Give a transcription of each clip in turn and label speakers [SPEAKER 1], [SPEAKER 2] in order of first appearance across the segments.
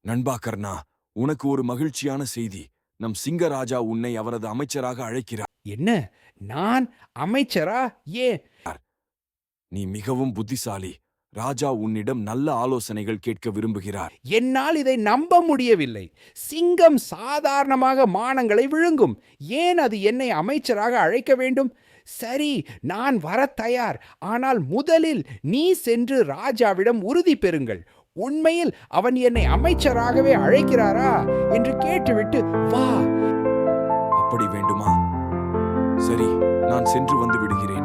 [SPEAKER 1] நண்பா கர்ணா, உனக்கு ஒரு மகிழ்ச்சியான செய்தி. நம் சிங்கராஜா உன்னை அவரது அமைச்சராக அழைக்கிறார்.
[SPEAKER 2] என்ன? நான் அமைச்சரா? ஏன்?
[SPEAKER 1] நீ மிகவும் புத்திசாலி. ராஜா உன்னிடம் நல்ல ஆலோசனைகள் கேட்க விரும்புகிறார்.
[SPEAKER 2] என்னால் இதை நம்ப முடியவில்லை. சிங்கம் சாதாரணமாக மானங்களை விழுங்கும். ஏன் அது என்னை அமைச்சராக அழைக்க வேண்டும்? சரி, நான் வரத் தயார். ஆனால் முதலில் நீ சென்று ராஜாவிடம் உறுதி பெறுங்கள். உண்மையில் அவன் என்னை அமைச்சராகவே அழைக்கிறாரா என்று கேட்டுவிட்டு வா.
[SPEAKER 1] அப்படி வேண்டுமா? சரி, நான் சென்று வந்து விடுகிறேன்.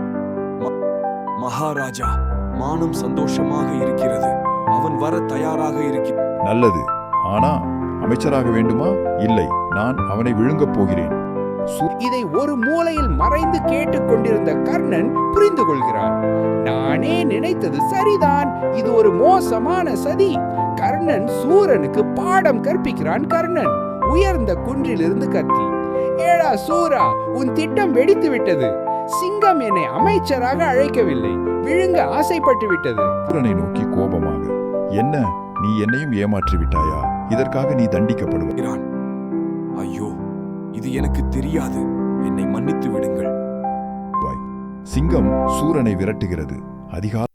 [SPEAKER 1] மகாராஜா, மானம் சந்தோஷமாக இருக்கிறது. அவன் வர தயாராக இருக்கிறான்.
[SPEAKER 3] நல்லது. ஆனா அமைச்சராக வேண்டுமா? இல்லை, நான் அவனை விழுங்கப் போகிறேன்.
[SPEAKER 2] இதை ஒரு மூலையில் மறைந்து கேட்டுக் கொண்டிருந்த கர்ணன் புரிந்து கொள்கிறான். நானே நினைத்தது சரிதான். இது ஒரு மோசமான சதி. கர்ணன் சூரனுக்கு பாடம் கற்பிக்கிறான். கர்ணன் உயர்ந்த குன்றிலிருந்து கத்தி, ஏடா சூரா, உன் திட்டம் வெடித்து விட்டது. சிங்கம் என்னை அமைச்சராக அழைக்கவில்லை, விழுங்க ஆசைப்பட்டு விட்டது.
[SPEAKER 3] சூரனை நோக்கி கோபமாக, என்ன, நீ என்னையும் ஏமாற்றி விட்டாயா? இதற்காக நீ தண்டிக்கப்படுவாய்.
[SPEAKER 1] ஐயோ, இது எனக்கு தெரியாது. என்னை மன்னித்து விடுங்கள்.
[SPEAKER 3] சிங்கம் சூரனை விரட்டுகிறது. அதிகாலை